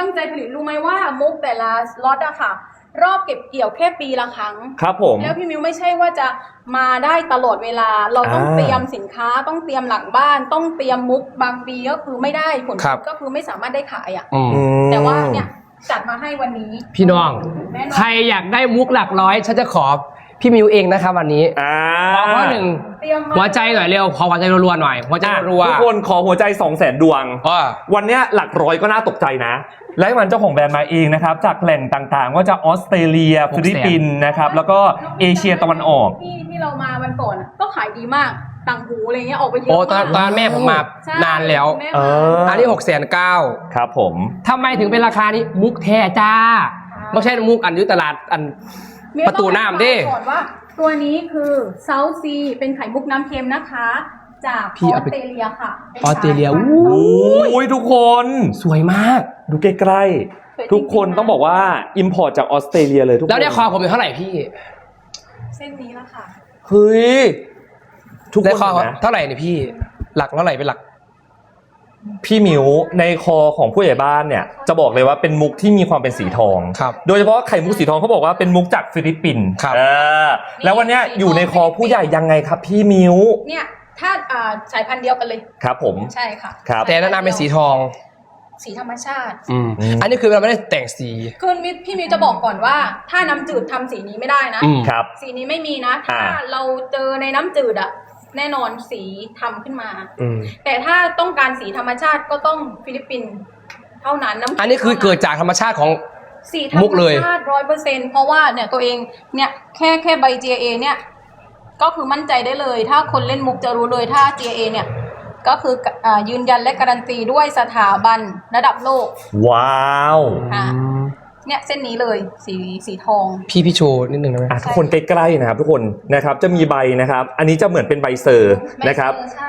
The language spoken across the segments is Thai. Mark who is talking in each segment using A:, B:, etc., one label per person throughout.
A: ใจผลิตรู้ไหมว่ามุกแต่ละล็อตอะค่ะรอบเก็บเกี่ยวแค่ปีละครั้ง
B: ครับผม
A: แล้วพี่มิวไม่ใช่ว่าจะมาได้ตลอดเวลาเราต้องเตรียมสินค้าต้องเตรียมหลังบ้านต้องเตรียมมุกบางปีก็คือไม่ได้ผลก็คือไม่สามารถได้ขายอะแต่ว่าเนี่ยจัดมาให้วันนี้
C: พี่น้องใครอยากได้มุกหลักร้อยฉันจะขอพี่มิวเองนะครับวันนี้ขอข้อหนึ่งหัวใจหน่อยเร็วขอหัวใจรัวๆหน่อยหัวใจรัว
B: ทุกคนขอหัวใจ 200,000 ดวงวันนี้หลักร้อยก็น่าตกใจนะและมันเจ้าของแบรนด์มาเองนะครับจากแหล่งต่างๆว่าจะออสเตรเลียฟิลิปปินส์นะครับแล้วก็เอเชียตะวันออก
A: ที่เรามาวันก่อนก็ขายดีมากต่างหูอะไรเงี้ยออกไปเยอะมาก
C: ตอนแม่ผมมานานแล้วอันนี้609,000
B: ครับผม
C: ทำไมถึงเป็นราคานี้มุกแท้จ้าไม่ใช่มุกอันยุตลาดอันประตูน้ำดิ
A: ก่อนว่าตัวนี้คือเซาท์ซีเป็นไข่มุกน้ำเค็มนะคะจากออสเตรเลียค่ะ
C: ออสเตรเลียโ
B: อ้ยทุกคน
C: สวยมาก
B: ดูใกล้ๆทุกคนต้องบอกว่าอิมพอร์ตจากออสเตรเลียเลยทุกคน
C: แล้วเนี่ยคอผมอยู่เท่าไหร่พี่
A: เส้นนี้ละค่ะ
B: เฮ้ย
C: ทุกคนคอเท่าไหร่เนี่ยพี่หลักเท่าไหร่เป็นหลัก
B: พี่มิวในคอของผู้ใหญ่บ้านเนี่ยจะบอกเลยว่าเป็นมุกที่มีความเป็นสีทองโดยเฉพาะไข่มุกสีทองเขาบอกว่าเป็นมุกจากฟิลิปปินส์แล้ววันนี้อยู่ในคอผู้ใหญ่ยังไงครับพี่มิว
A: เนี่ยถ้าสายพันธุ์เดียวกันเลย
B: ครับผม
A: ใช่ค่ะ
C: แต่แนะนำเป็นสีทอง
A: สีธรรมชาติ
C: อันนี้คือเราไม่ได้แต่งสี
A: คือพี่มิวจะบอกก่อนว่าถ้าน้ำจืดทำสีนี้ไม่ได้นะครับสีนี้ไม่มีนะถ้าเราเจอในน้ำจืดอะแน่นอนสีทำขึ้นมาแต่ถ้าต้องการสีธรรมชาติก็ต้องฟิลิปปินส์เท่านั้น
C: อันนี้คือเกิดจากธรรมชาติของ
A: สีธรรมชาติ 100% เพราะว่าเนี่ยตัวเองเนี่ยแค่ใบ GA เนี่ยก็คือมั่นใจได้เลยถ้าคนเล่นมุกจะรู้เลยถ้า GA เนี่ยก็คือยืนยันและการันตีด้วยสถาบันระดับโลก
B: ว้าว
A: เนี่ยเส้นนี้เลยสีทอง
C: พี่โชว์นิดนึงได้ไหม
B: ทุกคนใกล้ๆนะครับทุกคนนะครับจะมีใบนะครับอันนี้จะเหมือนเป็นใบเซอร์นะครับ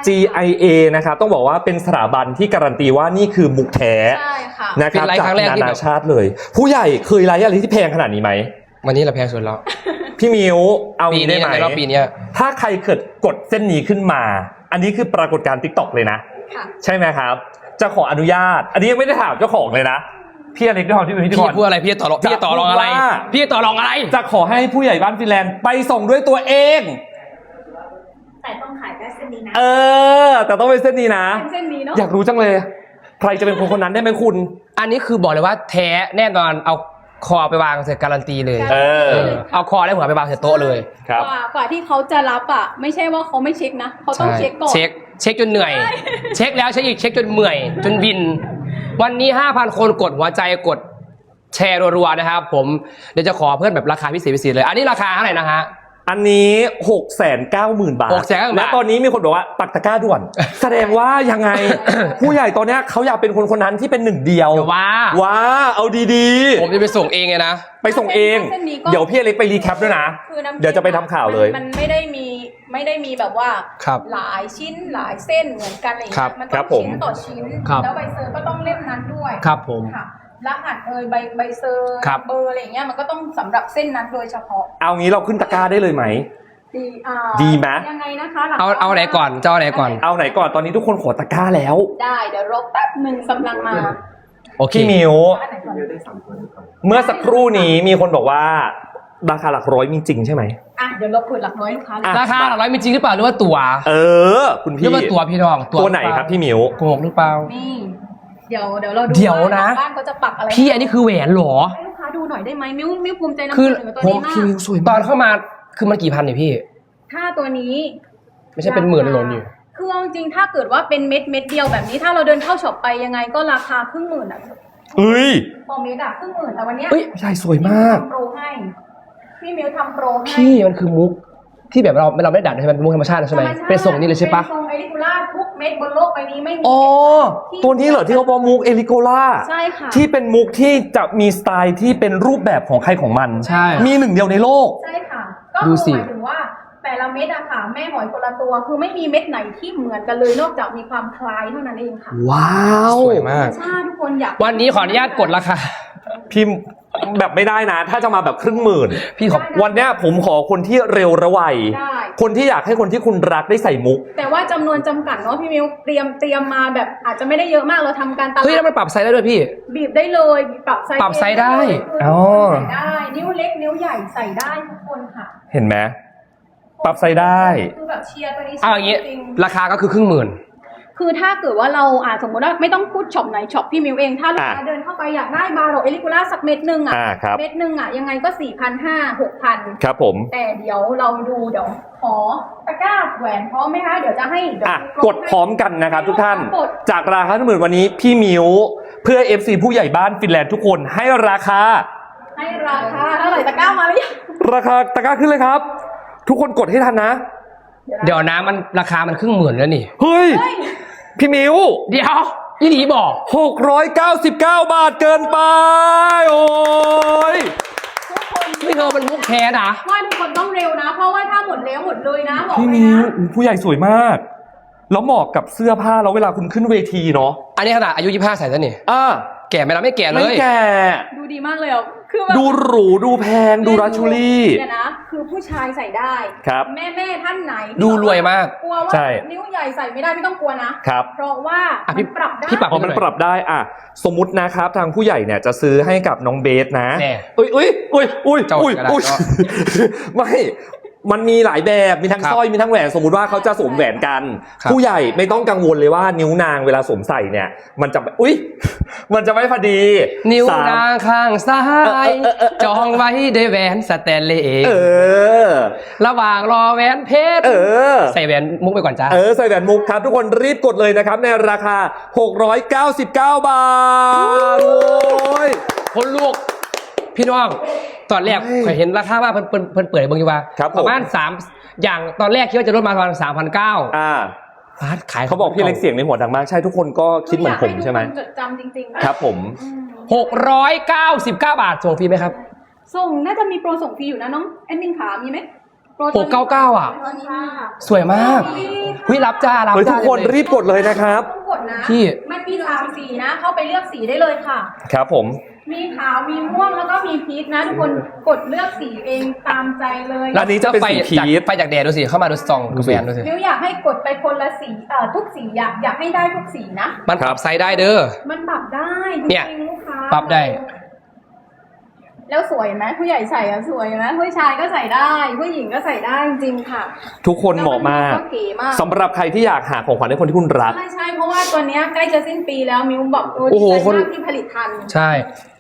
B: GIA นะครับต้องบอกว่าเป็นสถาบันที่การันตีว่านี่คือมุกแท้นะครับจากนานาชาติเลยผู้ใหญ่เคยไลฟ์อะไรที่แพงขนาดนี้ไหม
C: วันนี้เราแพงสุดแล้ว
B: พี่มิวเอางี้ได้ไหม
C: ปีนี้
B: ถ้าใครเกิดกดเส้นนี้ขึ้นมาอันนี้คือปรากฏการณ์ TikTok เลยนะใช่ไหมครับจะขออนุญาตอันนี้ยังไม่ได้ถามเจ้าของเลยนะพี่อเล็กด้วยความที่เป็นพิธีกร
C: พี่พูดอะไรพี่ต่อรองอะไรพี่ต่อรองอะไร
B: จะขอให้ผู้ใหญ่บ้านฟินแลนด์ไปส่งด้วยตัวเอง
A: แต่ต้องขายแค่เส้นนี้นะ
B: แต่ต้องเป็นเส้นนี้นะ
A: เส้นนี้เนาะ
B: อยากรู้จังเลยใครจะเป็นคนนั้นได้ไหมคุณ
C: อันนี้คือบอกเลยว่าแท้แน่นอนเอาคอไปวางเสร็จการันตีเลยเอาคอและหัวไปวางเสร็จโต๊ะเลย
B: ครับ
A: กว่าที่เขาจะรับอ่ะไม่ใช่ว่าเขาไม่เช็คนะเขาต้องเช็คก่อน
C: เช็คจนเหนื่อยเช็คแล้วเช็คอีกเช็คจนเมื่อยจนวินวันนี้ 5,000 คนกดหัวใจกดแชร์รัวๆนะครับผมเดี๋ยวจะขอเพื่อนแบบราคาพิเศษเลยอันนี้ราคาเท่าไหร่นะฮะ
B: อันนี้ 690,000 บาทและตอนนี้มีคนบอกว่าปักตะกร้าด่วนแสดงว่ายังไง ผู้ใหญ่ตอนนี้เขาอยากเป็นคนนั้นที่เป็นหนึ่งเดียวว้าเอาดี
C: ๆผมจะไปส่งเองไงนะ
B: ไปส่งเองเดี๋ยวพี่อเล็กไปรีแคปด้วยนะเดี๋ยวจะไปทำข่าวเลย
A: มันไม่ได้มีแบบว่าหลายชิ้นหลายเส้นเหมือนกันอะไรอย่างเงี้ยมันต้องชิ้นต่อชิ้นแล้วใบเซอร์ก็ต้องเล่มนั้นด้วย
C: ครับผม
A: รหัสใบเซอร์เบอร์อะไรอย่างเงี้ยมันก็ต้องสำหรับเส้นนั้นโดยเฉพาะ
B: เอางี้เราขึ้นตะกร้าได้เลยไหมดีไหม
A: ยังไงนะคะ
C: เอาไหนก่อนเจ้าไหนก่อน
B: เอาไหนก่อนตอนนี้ทุกคนขอตะกร้าแล้ว
A: ได้เดี๋ยวรอแป๊บนึงกำลังมา
B: โอเคมิวเมื่อสักครู่นี้มีคนบอกว่าราคาหลักร้อยมีจริงใช่ไหม
A: เดี๋ยวเราเปิดหลักร้อย
C: ราคาหลักร้อยมีจริงหรือเปล่าหรือว่าตั๋ว
B: คุณพี่
C: หรือว่าตั๋วพี่น้อง
B: ตัวไหนครับพี่มิว
C: โกหกหรือเปล่า
A: นี่เดี๋ยวเราดู
C: นะ
A: บ้านเขาจะปักอะไร
C: พี่อันนี้คือแหวนหรอ
A: ให้ลูกค้าดูหน่อยได้ไหมมิ้วภูมิใจนำเสนอตัวนี้มาก
C: ตอนเข้ามาคือมันกี่พันเนี่ยพี่
A: ถ้าตัวนี้
C: ไม่ใช่เป็นหมื่นหล่นอยู่
A: คือจริงถ้าเกิดว่าเป็นเม็ดเดียวแบบนี้ถ้าเราเดินเข้าช็อปไปยังไงก็ราคาครึ่งหมื่นพอเม็ดครึ่งหมื่นแต่วันนี้
B: ใช่สวยมาก
A: โปรให้พี่มิ้วทำโปรให้
C: พี่มันคือมุกที่แบบเราไม่ได้ดัดใช่ไหมเป็นมุกธรรมชาติใช่ไหมเป็นส่งนี่เลยใช่ปะ
A: เป็นส่งเอลิโกล่าทุกเม็ดบนโลกใบนี้ไม่มี
B: ตัวนี้เหรอที่เขาบอกมุกเอลิโกล่า
A: ใช่ค่ะ
B: ที่เป็นมุกที่จะมีสไตล์ที่เป็นรูปแบบของใครของมัน
C: ใช่
B: มีหนึ่งเดียวในโลก
A: ใช่ค่ะก็หมายถึงว่าแต่ละเม็ดอะค่ะแม่หอยคนละตัวคือไม่มีเม็ดไหนที่เหมือนกันเลยนอกจากมีความคล้ายเท่านั้นเองค่ะ
B: ว้าว
C: สวยมาก
A: ใช่ทุกคนอยาก
C: วันนี้ขออนุญาตกดราคา
B: พิมพ์แบบไม่ได้นะถ้าจะมาแบบครึ่งหมื่นพี่วันเนี้ยผมขอคนที่เร็วระไวคนที่อยากให้คนที่คุณรักได้ใส่มุก
A: แต่ว่าจำนวนจำกัดเนาะพี่มิวเตรียมมาแบบอาจจะไม่ได้เยอะมากเราทำการตลาด
C: เฮ้ยแล้วมันปรับไซส์ได้ด้วยพี่
A: บีบได้เลยปรับไซส์
C: ปรับไซส์ได้
B: อ๋อ
A: ใส่ได้นิ้วเล็กนิ้วใหญ่ใส่ได้ทุกคนค่ะ
B: เห็นไหมปรับไซส์ได้
A: คือแบบเชียร์ตัวนี้
C: เอาอย่างงี้
A: จริง
C: ราคาก็คือ10,000
A: คือถ้าเกิดว่าเราสมมติว่าไม่ต้องพูดช็อปไหนช็อปพี่มิวเองถ้าลูกค้าเดินเข้าไปอยากได้บาโรเอลิกูล่าสักเม็ดนึง
B: ครับ
A: เม็ดนึงยังไงก็ 4,500 6,000
B: ครับผม
A: แต่เดี๋ยวเราดูเดี๋ยวขอตะกร้าแหวนพร้อมไหมคะเดี๋ยวจะให้เดี๋ยว
B: กดพร้อมกันนะครับทุกท่านจากราคา10,000วันนี้พี่มิวเพื่อ FC ผู้ใหญ่บ้านฟินแลนด์ทุกคนให้ราคา
A: เท่าไหร่ตะกร้ามาหรือยัง
B: ราคาตะกร้าขึ้นเลยครับ ทุกคนกดให้ทันนะ
C: เดี๋ยวนะมันราคามัน10,000แล้วนี่
B: เฮ้ยพี่มิว
C: เดี๋ยวอีหลีบอก
B: 699 บาทเกินไปโอ้ย
A: ทุกคน
C: ไม่เธอมันมุกแค่นะ
A: ว่าทุกคนต้องเร็วนะ เพราะว่าถ้าหมดแล้วหมดเลยนะบอก
B: พี่
A: เลย
B: มิว
A: นะ
B: ผู้ใหญ่สวยมากแล้วเหมาะกับเสื้อผ้าแล้วเวลาคุณขึ้นเวทีเนาะ
C: อันนี้ขนาดอายุ25ใส่แล้วนี่ แก่ไหมล่ะไม่แก่เล
B: ไม่
C: ย
B: แก่
A: ดูดีมากเลยอ่ะคือแบบ
B: ดูหรูดูแพงดูรัชชูรี่
A: เนี่ยนะคือผู้ชายใส่ได้
B: ครับ
A: แม่ท่านไหน
C: ดูรวยมาก
A: กลัวว่า
B: ใช่
A: นิ้วใหญ่ใส่ไม่ได้ไม่ต้องกลัวนะ
B: ครับ
A: เพราะว่า
C: อ่ะพี่
A: มันปรับได้
C: พี่ปรับ
B: พอมันปรับได้สมมุตินะครับทางผู้ใหญ่เนี่ยจะซื้อให้กับน้องเบสนะ
C: แน่
B: อุ้ย
C: เจ้ากระดาษ
B: ไม่มันมีหลายแบบมีทั้ง
C: ครับ
B: สร้อยมีทั้งแหวนสมมุติว่าเขาจะสวมแหวนกัน
C: ครับ
B: ผู้ใหญ่ไม่ต้องกังวลเลยว่านิ้วนางเวลาสวมใส่เนี่ย มันจะมันจะไม่พอดี
C: นิ้ว
B: สาม
C: นางข้างซ้ายจองไว้ด้วยแหวนสแตนเลส ระหว่างรอแหวนเพชรใส่แหวนมุกไปก่อนจ้า
B: ใส่แหวนมุกครับทุกคนรีบกดเลยนะครับในราคา 699 บาทโอ้ย
C: คนลูกพี่น้องตอนแรกเคยเห็นราคาว่าเพิ่นเปิดเบิ่งอยู่ว่า
B: ครับผม
C: ประมาณ3อย่างตอนแรกคิดว่าจะลดมาประมาณ 3,900 ฟาดขาย
B: เขาบอกพี่เล็กเสียงในหัวดังมากใช่ทุกคนก็คิดเหมือนผมใช่ไหม
A: อยากห้ทุกคนจดจำจริงๆ
B: ครับผม
C: 699 บาทส่งฟรีไหมครับ
A: ส่งน่าจะมีโปรส่งฟรีอยู่นะน้องแอดมินขามีไหมโปร
C: 699อ่ะ
A: ตอนนี้ค่ะ
C: สวยมากวิรับจ้ารับ
B: เฮ้ย
C: จ้า
B: ทุกคนรีบกดเลยนะครับ
A: ต้องกดนะ
C: พี่
A: มันมี3สีนะ เข้าไปเลือกสีได้เลยค่ะ
B: ครับผม
A: มีขาวมีม่วงแล้วก็มีพีชนะ ทุกคนกดเลือกสีเองตามใจเลย
B: อันนี้จะเป็นสีพีช
C: ไฟจากแดดดูสิเข้ามาดูส่องกับแฟนดูสิ
A: มิวอยากให้กดไปคนละสีทุกสีอยากให้ได้ทุกสีนะ
C: มันปรับไซส์ได้เด้อ
A: มันปรับได้จ
C: เนี่ย
A: ริงๆลูกค้า
C: ปรับได้
A: แล้วสวยไหมผู้ใหญ่ใส่สวยไหมผู้ชายก็ใส่ได้ผู้หญิงก็ใส่ได้จริงๆค่ะ
B: ทุกคนเหมาะมาก
A: แล้วนก็เก๋มาก
B: สำหรับใครที่อยากหาของขวัญให้คนที่คุณรัก
A: ใช่เพราะว่าตัวเนี้ยใกล้จะสิ้นปีแล้วมิวบอก
C: โอ้โห
A: ดีใจ
C: คน
A: มากที่ผลิตทัน
C: ใช่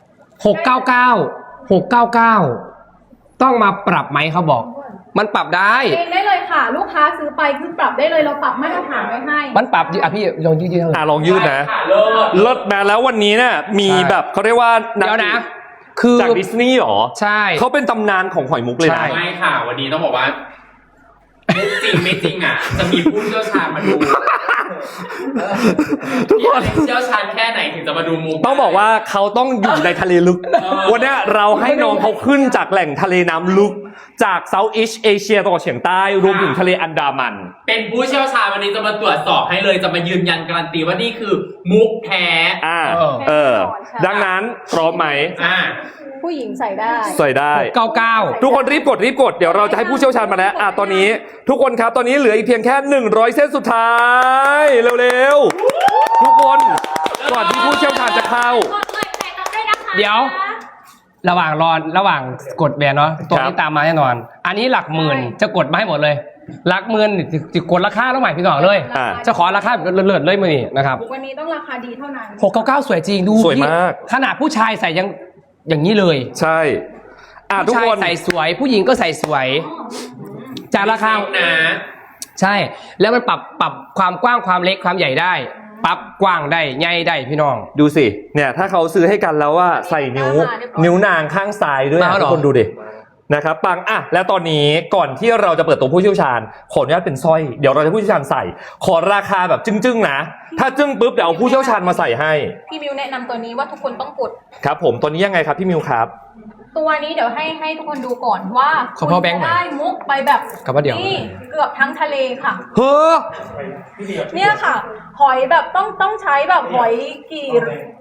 C: 699ต้องมาปรับไหมเขาบอก มันปรับได้
A: เองได้เลยค่ะ ลูกค้าซื้อไปคือปรับได้เลยเราปรับมาตรฐานไว้ให้
C: มันปรับพี่ลองยืดเท่าไหร่
B: ลองยืดนะเลิศมาแล้ววันนี้เนี่ยมี
C: ใช่
B: แบบเขาเรียกว่า
C: เดี๋ยวนะ คือ
B: จากดิสนีย์หรอ
C: ใช่
B: เขาเป็นตำนานของหอยมุกเลย
C: ใช่
B: นะ
D: ไม่ค่ะ วันนี้ต้องบอกว่ามุกจริงไม่จริงอ่ะ จะมีผู้เชี่ยวชาญมาดู
B: ทุกคน
D: เชี่ยวชาญแค่ไหนถึงจะมาดูมุก
B: ต้องบอกว่าเขาต้องอยู่ในทะเลลึก วันเนี้ยเราให้น้องเขาขึ้นจากแหล่งทะเลน้ำลึก จากเซาท์อีสเอเชียตะวันออกเฉียงใต้รวมถึงทะเลอันดามัน
D: เป็นผู้เชี่ยวชาญวันนี้จะมาตรวจสอบให้เลยจะมายืนยันการันตีว่านี่คือมุกแท้
B: ดังนั้นพร้อมไหม
A: ผู้หญิงใส่ได้
B: ใส่ได้
C: 99
B: ทุกคนรีบกดเดี๋ยวเราจะให้ผู้เชี่ยวชาญมาแล้วตอนนี้ทุกคนครับตอนนี้เหลืออีกเพียงแค่100เส้นสุดท้ายเร็วๆทุกคนก่อนที่ผู้เชี่ยวชาญจะเข้า
C: เดี๋ยว ระหว่างกดแบนเนาะตัวนี้ตามมาแน่นอน อันนี้หลักหมื่นจะกดมาให้หมดเลยหลักหมื่นจะกดราคาแล้วใหม่พี่น้องเลย จะขอราคาแบบเลิศๆเลยมือนี่นะครับ
A: วันนี้ต้องราคาดีเท่านั้น
C: 699สวยจริงดู
B: สวยมาก
C: ขนาดผู้ชายใส่ยังอย่างนี้เลย
B: ใช่ทุก
C: ผู้ชาย
B: คน
C: ใส่สวยผู้หญิงก็ใส่สวย จากราคา
D: นะ
C: ใช่ แล้วมันปรับความกว้างความเล็กความใหญ่ได้ ปรับกว้างได้ใหญ่ได้พี่น้อง
B: ดูสิเนี่ยถ้าเขาซื้อให้กันแล้วว่าใส่นิ้วนางข้างซ้ายด้วย
C: มาเหรอ
B: ทุกคนดูดินะครับปังแล้วตอนนี้ก่อนที่เราจะเปิดตัวผู้เชี่ยวชาญขออนุญาตเป็นสร้อยเดี๋ยวเราจะผู้เชี่ยวชาญใส่ขอราคาแบบจึ้งๆนะถ้าจึ้งปุ๊บเดี๋ยวเอาผู้เชี่ยวชาญมาใส่ให้
A: พี่มิวแนะนำตัวนี้ว่าทุกคนต้องกด
B: ครับผมตัวนี้ยังไงครับพี่มิวครับ
A: ตัวนี้เดี๋ยวให้ทุกคนดูก่อนว่า
C: ขอพ่อแบงค์หน่อย
A: ได้มุกไปแบบ
C: กับว่าเดี๋ยว
A: นี่เกือบทั้งทะเลค่ะ
B: เฮ้อ
A: เนี่ยค่ะ หอยแบบต้องใช้แบบหอยกี่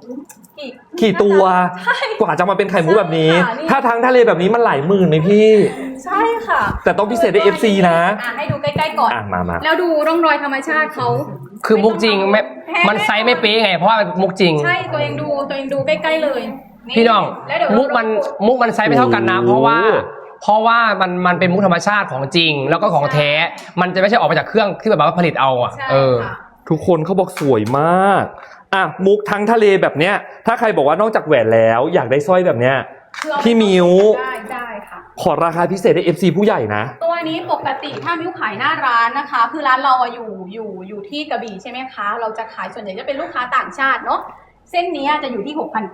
B: กี่ตัวกว่าจะมาเป็นไข่มุกแบบนี้
A: ใช่ค่ะนี่
B: ถ้าทั้งทะเลแบบนี้มันหลายหมื่นไหมพี่
A: ใช่ค่ะ
B: แต่ต้องพิเศษด้วย FC นะ
A: ให้ดูใกล้ๆก่อน
B: มา
A: แล้วดูร่องรอยธรรมชาติเขา
C: คือมุกจริงไม่มันไซส์ไม่เป๊ะไง เพราะว่ามันมุกจริง
A: ใช่ตัวเองดูใกล้ๆเลย
C: พี่น้อง
A: แล้วเดี๋ยว
C: มุกมันไซส์ไม่เท่ากันนะ
B: โอ้
C: เพราะว่ามันเป็นมุกธรรมชาติของจริง แล้วก็ของแท้ มันจะไม่ใช่ออกมาจากเครื่องที่แบบว่าผลิตเอาอ่ะ
A: ใช่
C: เออ
A: ค่ะ
B: ทุกคนเขาบอกสวยมากมุกทั้งทะเลแบบเนี้ยถ้าใครบอกว่านอกจากแหวนแล้วอยากได้สร้อยแบบเนี้ย
A: คือเอา
B: พี่มิว
A: ได้ค่ะ
B: ขอราคาพิเศษให้ FC ผู้ใหญ่นะ
A: ตัวนี้ปกติถ้ามิ้วขายหน้าร้านนะคะ คือร้านเราอะอยู่ที่กระบี่ใช่ไหมคะ เราจะขายส่วนใหญ่จะเป็นลูกค้าต่างชาติเนาะเส้นนี้จะอยู่ที่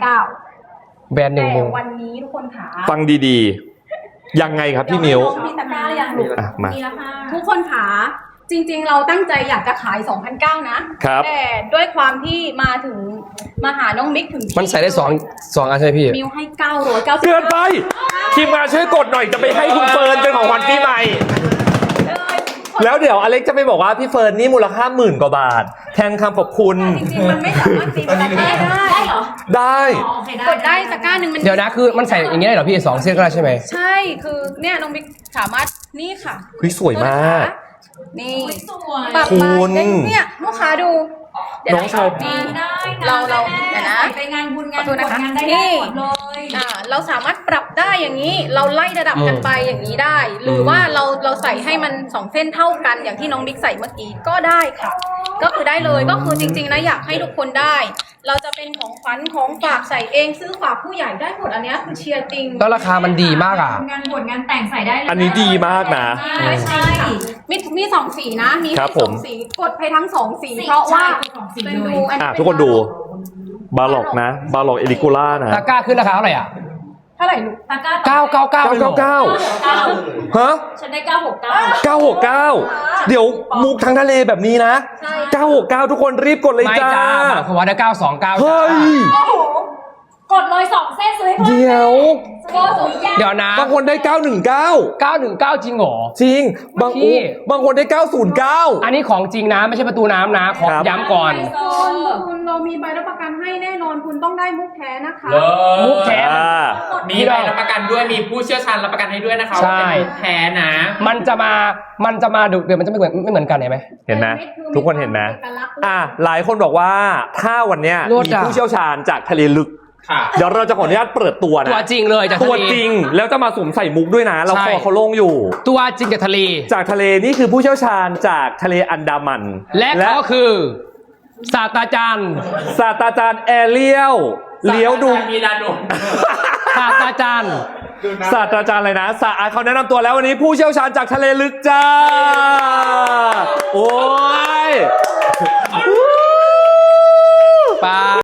A: 6,900
C: แบรนด์หนึ่ง
A: แต่
C: มุก
A: วันนี้ทุกคนขา
B: ฟังดีๆ ยังไงครับพี่มิว
A: มีตะกร้าหรือยังลูก
B: มา
A: มีแล้วค่ะทุกคนขาจริงๆ เราตั้งใจอยากจะขาย 2,900 นะครับ แต่ด้วยความที่มาหาน้องมิกถึงที่
C: มันใส่ได้สองอันใช่ไหมพี่
A: มิวให้990
B: เกินไปทีมงานช่วยกดหน่อยจะไปให้คุณเฟิร์นเป็นของขวัญปีใหม่ แล้วเดี๋ยวอเล็กจะไปบอกว่าพี่เฟิร์นนี่มูลค่า10,000 กว่าบาท แทนคำขอบคุณ
A: จริงๆ มันไม่สามารถตีมูลค่าได้เหรอ
B: ได้
A: กดได้ตะกร้าหนึ่งมัน
C: เดี๋ยวนะคือมันใส่อย่างนี้ได้เหรอพี่2 เส้นก็ได้ใช่ไหม
A: ใช่คือเนี่ยน้องมิกสามารถนี่ค่ะ
B: เฮ้ยสวยมาก
A: นี่ปรับ
B: คุ
A: มา
B: ณ
A: เนี่ยลูกค้าดูเดี๋ยว
B: น้องชาย
A: นี่
E: ได้นะ
A: เราเดี๋ยวนะ
E: ไปงานบุญงาน
A: ขอโทษนะคะ
E: งานได้
A: นี่
E: หมดเลย
A: เราสามารถปรับได้อย่างนี้ เราไล่ระดับกันไปอย่างนี้ได้ หรือว่าเราใส่ให้มัน2 เส้นเท่ากันอย่างที่น้องมิกใส่เมื่อกี้ก็ได้ค่ะ ก็คือได้เลยก็คือจริงๆนะอยากให้ทุกคนได้ เราจะเป็นของขวัญของฝากใส่เองซื้อฝากผู้ใหญ่ได้หมดอันเนี้ยคือเชียร์จริง
C: แล้วราคามันดีมากอ่ะ
E: งานบวชงานแต่งใส่ได้เลย
B: อันนี้ดีมากนะ
E: ใช่
A: มี2 สีนะมี
B: ครั
A: ให้
B: บผม
A: 2 สีกดไปทั้ง2 สีเพราะว่า
E: ของสี
A: เป็น
E: เล
A: ดู
E: ย
A: อันนี้
B: ทุกคนดูบาล็อกนะบาล็อกเอลิกูล่านะ
C: ตะกร้าขึ้นราคาเท่าไหร่อ่ะ
A: เท่าไหร่ลูก
E: ตะกร้า
C: 999
B: ฮะ
E: ฉันได้969
B: 969 เดี๋ยวมุกทั้งทะเลแบบนี้นะ
A: ใช่
B: 969 ทุกคนรีบกดเลย
C: ไม่
B: จ้า
C: จ้าเพราะว่าได้929
B: เฮ้ย
E: โอ้โหกดเลย2 เส้นซื้อให้เพื่อน
B: เดี๋ยว
E: โอ้โหยาก
C: เดี๋ยวนะ
B: บางคนได้ 919
C: จริงเหรอ
B: จริง
C: พี่
B: บางคนได้ 909
C: อันนี้ของจริงนะไม่ใช่ประตูน้ำนะขอ
B: ครับ
C: ย้ำก่อน
A: คุณเรามีใบรับประกันให้แน่นอนคุณต้องได้มุกแท้นะคะ
C: มุกแท้
D: มีใบรับประกันด้วยมีผู้เชี่ยวชาญรับประกันให้ด้วยนะคะ
C: ใช่
D: ว่าเป็นมุกแท้นะ
C: มันจะมาดูเดี๋ยวมันจะไม่เหมือนกันเห็นไหม
B: เห็นไหมทุกคนเห็นไหมหลายคนบอกว่าถ้าวันเนี้ย
C: โลด
B: มี
C: อ่ะ
B: ผู้เชี่ยวชาญจากทะเลลึก
D: ค่ะ
B: เดี๋ยวเราจะขออนุญาตเปิดตัวนะ
C: ตัวจริงเลยจาก
B: ตั
C: ทะ
B: ว
C: เล
B: จริงแล้วจะมาสวมใส่มุกด้วยนะ เรา
C: ใช่
B: คอเขาโล่งอยู่
C: ตัวจริงจากทะเล
B: จากทะเลนี่คือผู้เชี่ยวชาญจากทะเลอันดามัน
C: และก็คือศาสตราจารย์
B: ศาสตราจารย์แอเรียลเลี้ยวดุง
D: มีดาดง
C: ศาสตราจารย์
B: ศาสตราจารย์อะไรนะเขาแนะนำตัวแล้ววันนี้ผู้เชี่ยวชาญจากทะเลลึกจ้า โอ้ย
C: ปา